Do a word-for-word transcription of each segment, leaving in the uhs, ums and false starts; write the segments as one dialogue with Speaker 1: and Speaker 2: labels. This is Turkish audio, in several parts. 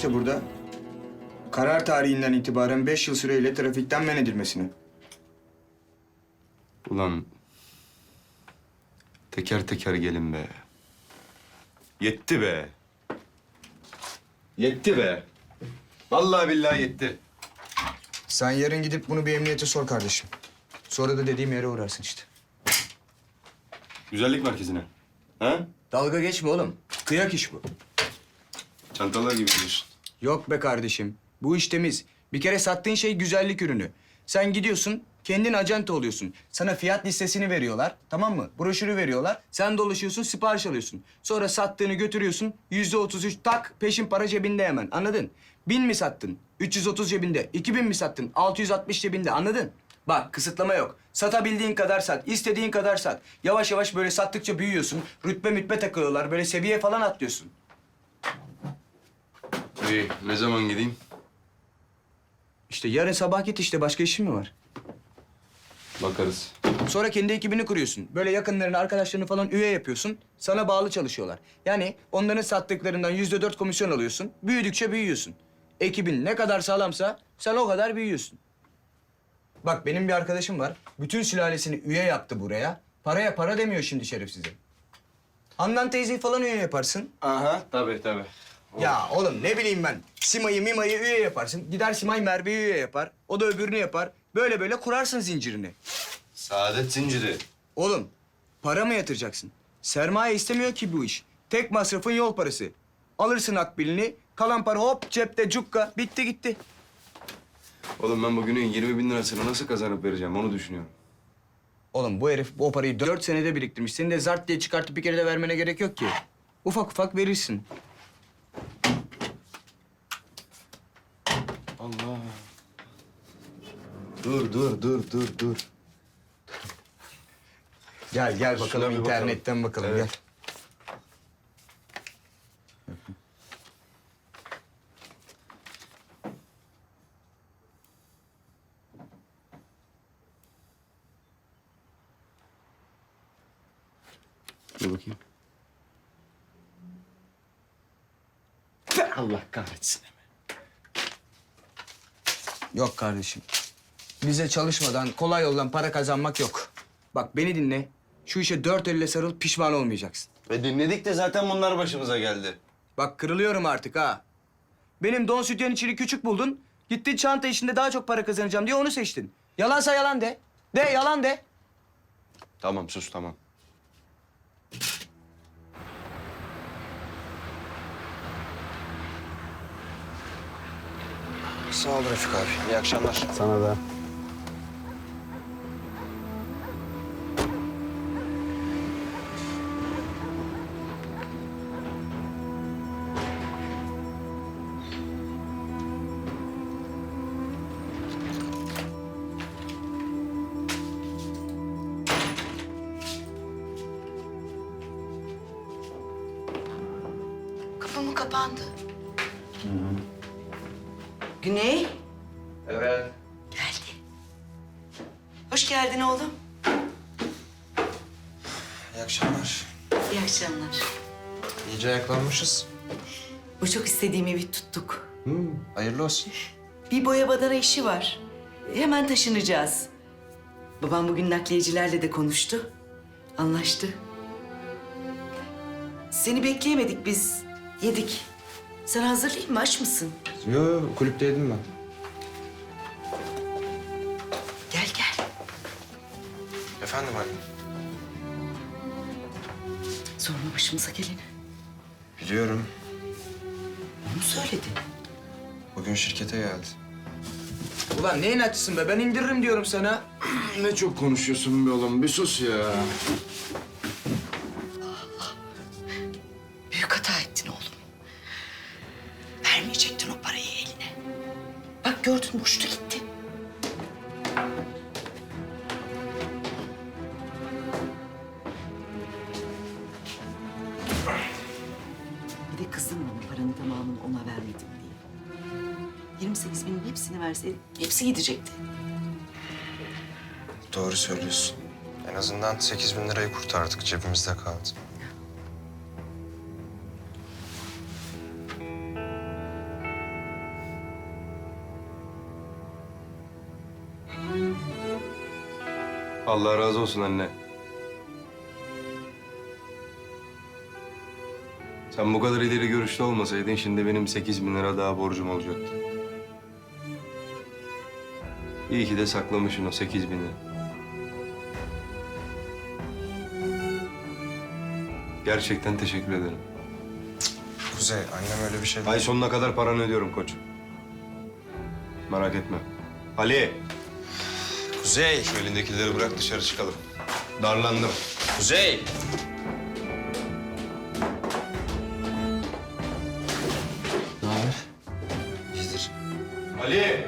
Speaker 1: işte burada. Karar tarihinden itibaren beş yıl süreyle trafikten men edilmesini.
Speaker 2: Ulan teker teker gelin be. Yetti be. Yetti be. Vallahi billahi yetti.
Speaker 1: Sen yarın gidip bunu bir emniyete sor kardeşim. Sonra da dediğim yere uğrarsın işte.
Speaker 2: Güzellik merkezine. Ha?
Speaker 1: Dalga geçme oğlum. Kıyak iş bu.
Speaker 2: Çantalar gibi diyorsun.
Speaker 1: Yok be kardeşim. Bu iş temiz. Bir kere sattığın şey güzellik ürünü. Sen gidiyorsun, kendin acente oluyorsun. Sana fiyat listesini veriyorlar, tamam mı? Broşürü veriyorlar. Sen dolaşıyorsun, sipariş alıyorsun. Sonra sattığını götürüyorsun, yüzde otuz üç tak, peşin para cebinde hemen. Anladın? Bin mi sattın? üç yüz otuz cebinde. iki bin mi sattın? altı yüz altmış cebinde. Anladın? Bak, kısıtlama yok. Satabildiğin kadar sat, istediğin kadar sat. Yavaş yavaş böyle sattıkça büyüyorsun. Rütbe mütbe takılıyorlar, böyle seviye falan atlıyorsun.
Speaker 2: İyi, ne zaman gideyim?
Speaker 1: İşte yarın sabah git işte. Başka işin mi var?
Speaker 2: Bakarız.
Speaker 1: Sonra kendi ekibini kuruyorsun. Böyle yakınlarını, arkadaşlarını falan üye yapıyorsun. Sana bağlı çalışıyorlar. Yani onların sattıklarından yüzde dört komisyon alıyorsun. Büyüdükçe büyüyorsun. Ekibin ne kadar sağlamsa sen o kadar büyüyorsun. Bak benim bir arkadaşım var. Bütün sülalesini üye yaptı buraya. Paraya para demiyor şimdi şerif size. Handan teyzeyi falan üye yaparsın.
Speaker 2: Aha, tabii tabii.
Speaker 1: Ya oğlum ne bileyim ben. Sima'yı Mima'yı üye yaparsın. Gider Simay Merve'yi üye yapar. O da öbürünü yapar. Böyle böyle kurarsın zincirini.
Speaker 2: Saadet zinciri.
Speaker 1: Oğlum, para mı yatıracaksın? Sermaye istemiyor ki bu iş. Tek masrafın yol parası. Alırsın akbilini, kalan para hop cepte cukka. Bitti gitti.
Speaker 2: Oğlum ben bugünün yirmi bin lirasını nasıl kazanıp vereceğim onu düşünüyorum.
Speaker 1: Oğlum bu herif o parayı dört senede biriktirmiş. Seni de zart diye çıkartıp bir kere de vermene gerek yok ki. Ufak ufak verirsin.
Speaker 2: Allah. Dur, dur, dur, dur, dur.
Speaker 1: Gel gel
Speaker 2: Şuna
Speaker 1: bakalım
Speaker 2: bir
Speaker 1: internetten bakalım,
Speaker 2: Evet.
Speaker 1: gel.
Speaker 2: Dur bakayım. Allah kahretsin.
Speaker 1: Yok kardeşim. Bize çalışmadan, kolay yoldan para kazanmak yok. Bak beni dinle. Şu işe dört elle sarıl, pişman olmayacaksın.
Speaker 2: Ve dinledik de zaten bunlar başımıza geldi.
Speaker 1: Bak kırılıyorum artık ha. Benim don sütyen içini küçük buldun. Gittin çanta işinde daha çok para kazanacağım diye onu seçtin. Yalansa yalan de. De yalan de.
Speaker 2: Tamam sus tamam.
Speaker 1: Sağ ol Refik abi. İyi akşamlar.
Speaker 2: Sana da.
Speaker 3: Kapı mı kapandı? Güney,
Speaker 1: Evet.
Speaker 3: geldi. Hoş geldin oğlum.
Speaker 4: İyi akşamlar.
Speaker 3: İyi akşamlar.
Speaker 4: İyice ayaklanmışız.
Speaker 3: Bu çok istediğim evi tuttuk.
Speaker 4: Hmm, hayırlı olsun.
Speaker 3: Bir boya badana işi var. Hemen taşınacağız. Babam bugün nakliyecilerle de konuştu. Anlaştı. Seni bekleyemedik biz. Yedik. Sen hazırlayayım mı? Aç mısın?
Speaker 4: Yo, yo kulüpteydim ben.
Speaker 3: Gel gel.
Speaker 4: Efendim anne.
Speaker 3: Sorma başımıza geleni.
Speaker 4: Biliyorum.
Speaker 3: Onu söyledi.
Speaker 4: Bugün şirkete geldi.
Speaker 1: Ulan ne inatçısın be? Ben indiririm diyorum sana.
Speaker 2: Ne çok konuşuyorsun be oğlum bir sus ya.
Speaker 3: Büyük hata ettin oğlum. Vermeyecektin o parayı eline. Bak gördün mü uçtu gitti. Bir de kızdım bana paranın tamamını ona vermedim diye. yirmi sekiz binin hepsini verseydim hepsi gidecekti.
Speaker 4: Doğru söylüyorsun. En azından sekiz bin lirayı kurtardık. Cebimizde kaldı.
Speaker 2: Allah razı olsun anne. Sen bu kadar ileri görüşlü olmasaydın şimdi benim sekiz bin lira daha borcum olacaktı. İyi ki de saklamışsın o sekiz bini. Gerçekten teşekkür ederim.
Speaker 4: Kuzey, annem öyle bir şey...
Speaker 2: Ay sonuna kadar paranı ödüyorum koç. Merak etme. Ali.
Speaker 4: Kuzey!
Speaker 2: Şu elindekileri bırak dışarı çıkalım. Darlandım.
Speaker 4: Kuzey!
Speaker 1: Ne haber? İyidir.
Speaker 2: Ali.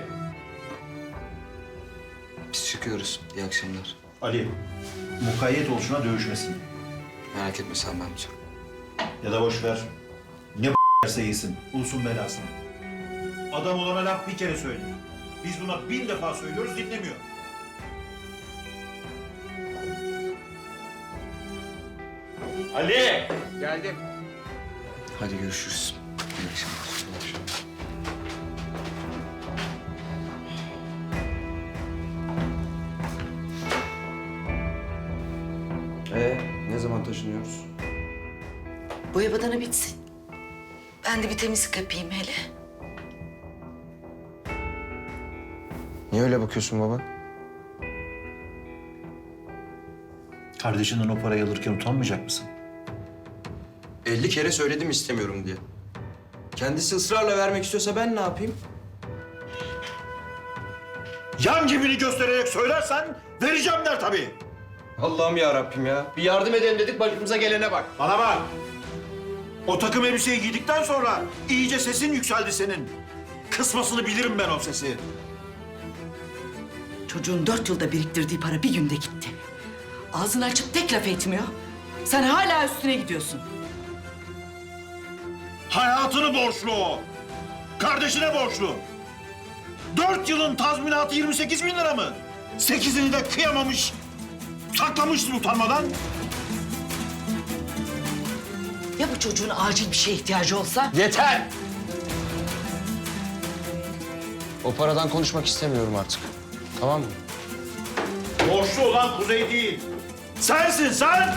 Speaker 1: Biz çıkıyoruz. İyi akşamlar.
Speaker 5: Ali, mukayyet ol şuna dövüşmesin.
Speaker 1: Merak etme sen ben amca.
Speaker 5: Ya da boş ver. Ne b***erse yesin. Ulusun belasını. Adam olana laf bir kere söyle. Biz buna bin defa söylüyoruz, dinlemiyor. Ali!
Speaker 1: Geldim. Hadi görüşürüz. İyi akşamlar. İyi akşamlar.
Speaker 2: Ee, ne zaman taşınıyoruz?
Speaker 3: Boya badana bitsin. Ben de bir temizlik yapayım hele.
Speaker 4: Niye öyle bakıyorsun baba?
Speaker 5: Kardeşinden o parayı alırken utanmayacak mısın?
Speaker 6: elli kere söyledim istemiyorum diye. Kendisi ısrarla vermek istiyorsa ben ne yapayım?
Speaker 5: Yan cebini göstererek söylersen vereceğim der tabii.
Speaker 6: Allah'ım ya Rabbim ya. Bir yardım edelim dedik başımıza gelene bak.
Speaker 5: Bana bak. O takım elbiseyi giydikten sonra iyice sesin yükseldi senin. Kısmasını bilirim ben o sesi.
Speaker 3: Çocuğun dört yılda biriktirdiği para bir günde gitti. Ağzını açıp tek laf etmiyor. Sen hala üstüne gidiyorsun.
Speaker 5: Hayatını borçlu o. Kardeşine borçlu. Dört yılın tazminatı yirmi sekiz bin lira mı? Sekizini de kıyamamış, saklamışsın utanmadan.
Speaker 3: Ya bu çocuğun acil bir şeye ihtiyacı olsa?
Speaker 6: Yeter! O paradan konuşmak istemiyorum artık. Tamam mı?
Speaker 5: Borçlu olan Kuzey değil. Sensin sen!